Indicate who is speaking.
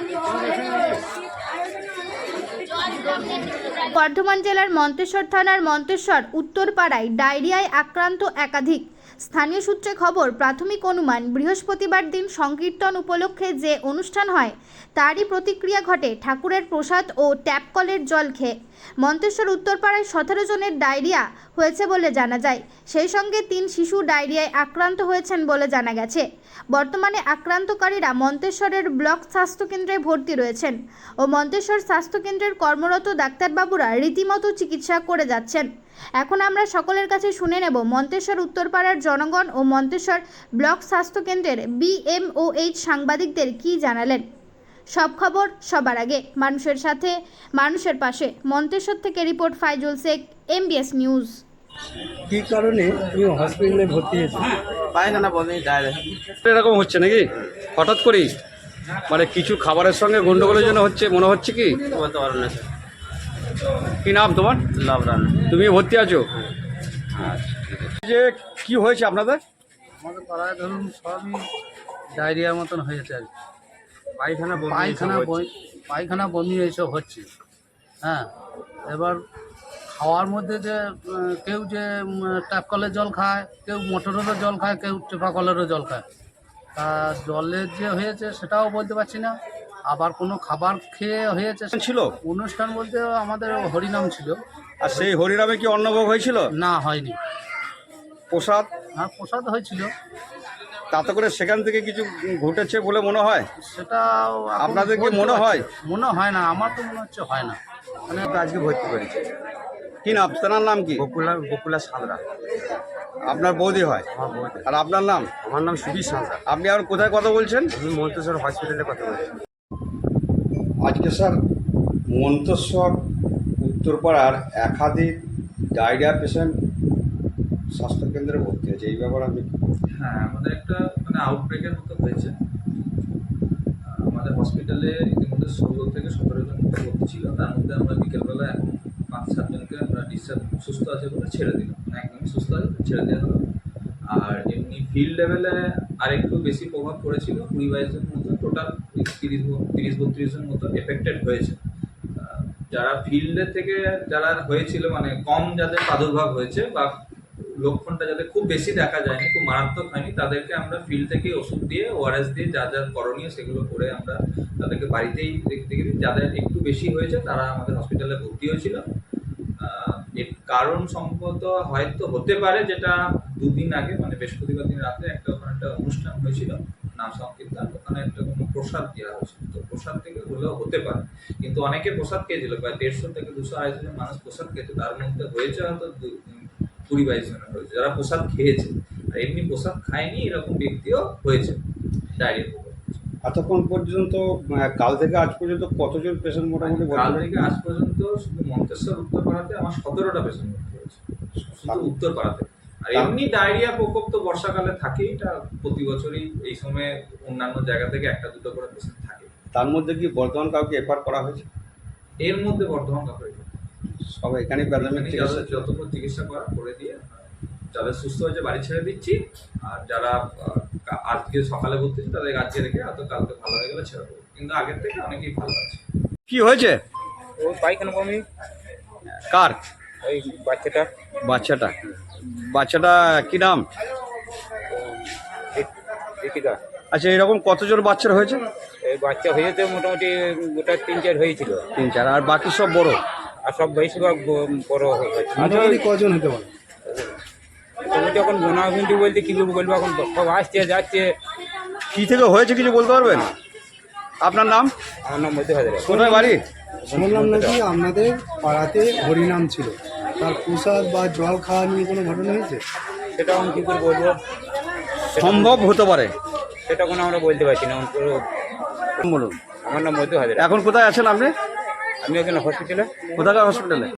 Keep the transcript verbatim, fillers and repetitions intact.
Speaker 1: বর্ধমান জেলার মন্তেশ্বর থানার মন্তেশ্বর উত্তরপাড়ায় ডায়রিয়ায় আক্রান্ত একাধিক। স্থানীয় সূত্রে খবর, প্রাথমিক অনুমান বৃহস্পতিবার দিন সংকীর্তন উপলক্ষে যে অনুষ্ঠান হয় তারই প্রতিক্রিয়া ঘটে ঠাকুরের প্রসাদ ও ট্যাপ কলের জল খেয়ে। মন্তেশ্বর উত্তরপাড়ায় সতেরো জনের ডায়রিয়া হয়েছে বলে জানা যায়। সেই সঙ্গে তিন শিশু ডায়রিয়ায় আক্রান্ত হয়েছেন বলে জানা গেছে। বর্তমানে আক্রান্তকারীরা মন্তেশ্বরের ব্লক স্বাস্থ্যকেন্দ্রে ভর্তি রয়েছেন ও মন্তেশ্বর স্বাস্থ্যকেন্দ্রের কর্মরত ডাক্তারবাবুরা রীতিমতো চিকিৎসা করে যাচ্ছেন। এখন আমরা সকলের কাছে শুনে নেব মন্তেশ্বর উত্তরপাড়ার জনগণ ও মন্তেশ্বর ব্লক স্বাস্থ্যকেন্দ্রের বিএমওএইচ সাংবাদিকদের কী জানালেন। সব খবর সবার আগে, মানুষের সাথে মানুষের পাশে। মন্তেশ্বর থেকে report Faizul Sheikh, MBS news.
Speaker 2: কি কারণে তুমি হসপিটালে ভর্তি হয়েছো?
Speaker 3: পায়খানা বমি ডায়রিয়া
Speaker 4: এরকম হচ্ছে নাকি হঠাৎ করেই? মানে কিছু খাবারের সঙ্গে গন্ডগোলের জন্য হচ্ছে মনে হচ্ছে কি?
Speaker 3: বলতে পারো না স্যার।
Speaker 4: কি নাম তোমার?
Speaker 3: লাভরান।
Speaker 4: তুমি ভর্তি আছো? আচ্ছা, যে কি হয়েছে আপনাদের?
Speaker 2: আমাদের পাড়ায় ধরুন সবই ডায়রিয়ার মতন হয়েছে আর কি।
Speaker 3: পায়খানা বমি
Speaker 2: পায়খানা বই পায়খানা বমি এইসব হচ্ছে। হ্যাঁ, এবার খাওয়ার মধ্যে যে উম, কেউ যে ট্যাপ কলের জল খায়, কেউ মোটরেরও জল খায়, কেউ টেপা কলেরও জল খায়। তা জলের যে হয়েছে সেটাও বলতে পারছি না। আবার কোনো খাবার খেয়ে হয়েছে।
Speaker 4: ছিল
Speaker 2: অনুষ্ঠান বলতে আমাদের হরিনাম ছিল।
Speaker 4: আর সেই হরিনামে কি অন্নভোগ হয়েছিল?
Speaker 2: না, হয়নি।
Speaker 4: প্রসাদ?
Speaker 2: হ্যাঁ, প্রসাদ হয়েছিল।
Speaker 4: তাতে করে সেখান থেকে কিছু ঘটেছে বলে মনে হয়?
Speaker 2: সেটা
Speaker 4: আপনাদের কি মনে হয়?
Speaker 2: মনে হয় না, আমার তো মনে হচ্ছে হয় না।
Speaker 3: মানে আজকে ভর্তি করেছি।
Speaker 4: কি নাম? তার নাম কি?
Speaker 3: বকুলা বকুলা সাঁতরা।
Speaker 4: আপনার বৌদি হয়?
Speaker 3: আমার বৌদি।
Speaker 4: আর আপনার নাম?
Speaker 3: আমার নাম সুবীর সাঁতরা।
Speaker 4: আপনি আর কোথায় কথা বলছেন?
Speaker 3: আমি মন্তেশ্বর হসপিটালে কথা বলছি।
Speaker 4: আজকে স্যার মন্তেশ্বর উত্তরপাড়ার একাধিক ডায়রিয়া পেশেন্ট স্বাস্থ্যকেন্দ্রে ভর্তি আছে, এই ব্যাপারে আমি
Speaker 5: হ্যাঁ, আমাদের একটা মানে আউটব্রেকের মতো হয়েছে। আমাদের হসপিটালে ইতিমধ্যে ষোলো থেকে সতেরো জন মতো ভর্তি ছিল। তার মধ্যে আমরা বিকেলবেলা এখন পাঁচ সাতজনকে আমরা ডিসচার্জ সুস্থ আছে বলে ছেড়ে দিলাম, মানে একদমই সুস্থ আছে ছেড়ে দেওয়া হলো। আর এমনি ফিল্ড লেভেলে আরেকটু বেশি প্রভাব পড়েছিল, কুড়ি বাইশ জন মতো, টোটাল তিরিশ তিরিশ বত্রিশ জন মতো এফেক্টেড হয়েছে। যারা ফিল্ডের থেকে যারা হয়েছিল, মানে কম যাদের প্রাদুর্ভাব হয়েছে বা লক্ষণটা যাদের খুব বেশি দেখা যায়নি, খুব মারাত্মক হয়নি, তাদেরকে আমরা ফিল্ড থেকে ওষুধ দিয়ে, ওআরএস দিয়ে যা যা করণীয় সেগুলো করে আমরা তাদেরকে বাড়িতেই দেখতে গেছি। যাদের একটু বেশি হয়েছে তারা আমাদের হসপিটালে ভর্তি হয়েছিল। এর কারণ সম্ভবত হয়তো হতে পারে, যেটা দুদিন আগে মানে বৃহস্পতিবার দিন রাতে একটা ওখানে একটা অনুষ্ঠান হয়েছিল নাম সংকীর্তন, ওখানে একটা কোনো প্রসাদ দেওয়া হয়েছিল, তো প্রসাদ থেকে হলেও হতে পারে। কিন্তু অনেকে প্রসাদ খেয়েছিল, প্রায় দেড়শো থেকে দুশো আড়াইশো জন মানুষ প্রসাদ খেয়েছে, তার মধ্যে হয়েছে হয়তো কুড়ি বাইশ জনের হয়েছে যারা প্রসাদ খেয়েছে। আর এমনি প্রসাদ খায়নি এরকম ব্যক্তিও হয়েছে ডায়রিয়া।
Speaker 4: এতক্ষণ পর্যন্ত কাল থেকে আজ পর্যন্ত কতজন পেশেন্ট মোটামুটি?
Speaker 5: কাল থেকে আজ পর্যন্ত শুধু মন্তেশ্বর উত্তরপাড়াতে আমার সতেরোটা পেশেন্ট ভর্তি হয়েছে, শুধু উত্তরপাড়াতে। আর এমনি ডায়রিয়া প্রকোপ তো বর্ষাকালে থাকেই, এটা প্রতি বছরই এই সময়ে অন্যান্য জায়গা থেকে একটা দুটো করে পেশেন্ট থাকে।
Speaker 4: তার মধ্যে কি বর্তমান কাউকে এফআর করা হয়েছে?
Speaker 5: এর মধ্যে বর্ধমান কাউকে
Speaker 4: সব এখানে প্রাথমিক চিকিৎসা
Speaker 5: যতক্ষণ চিকিৎসা করা করে দিয়ে যাদের সুস্থ হয়েছে বাড়ি ছেড়ে দিচ্ছি। আর যারা আজকে সকালে ভর্তি হচ্ছে তাদের আজকে রেখে হয়তো কালকে ভালো হয়ে গেলে ছেড়ে দেবো, কিন্তু আগের থেকে অনেকেই ভালো আছে।
Speaker 4: কি হয়েছে?
Speaker 3: ও পায়খানা বমি।
Speaker 4: কার?
Speaker 3: ওই বাচ্চাটা।
Speaker 4: বাচ্চাটা বাচ্চাটা কি নাম?
Speaker 3: দীপিকা।
Speaker 4: আচ্ছা, এরকম কতজন বাচ্চার হয়েছে?
Speaker 3: এই বাচ্চা হয়েছে মোটামুটি গোটা তিন চার হয়েছিল।
Speaker 4: তিন চার আর বাকি সব বড়?
Speaker 3: আর সব বেশিরভাগ বড় হয়েছে।
Speaker 2: মোটামুটি কজন হতে পারে?
Speaker 3: মোটামুটি এখন গোনাগুন্টি বলতে কী বলবো, এখন সব আসছে যাচ্ছে।
Speaker 4: কি থেকে হয়েছে কিছু বলতে পারবেন? আপনার নাম?
Speaker 3: আমার নাম মধ্যে হাজার।
Speaker 4: কোথায় বাড়ি?
Speaker 2: শুনলাম নাকি আপনাদের পাড়াতে হরিনাম ছিল, তার প্রসাদ বা জল খাওয়া নিয়ে কোনো ঘটনা হয়েছে?
Speaker 3: সেটা এখন কী করে বলবো,
Speaker 4: সম্ভব হতে পারে,
Speaker 3: সেটা কোনো আমরা বলতে পারছি না।
Speaker 4: বলুন।
Speaker 3: আমার নাম মধ্যে হাজার।
Speaker 4: এখন কোথায় আছেন আপনি?
Speaker 3: আমি একজন হসপিটালে।
Speaker 4: কোথাকার হসপিটালে?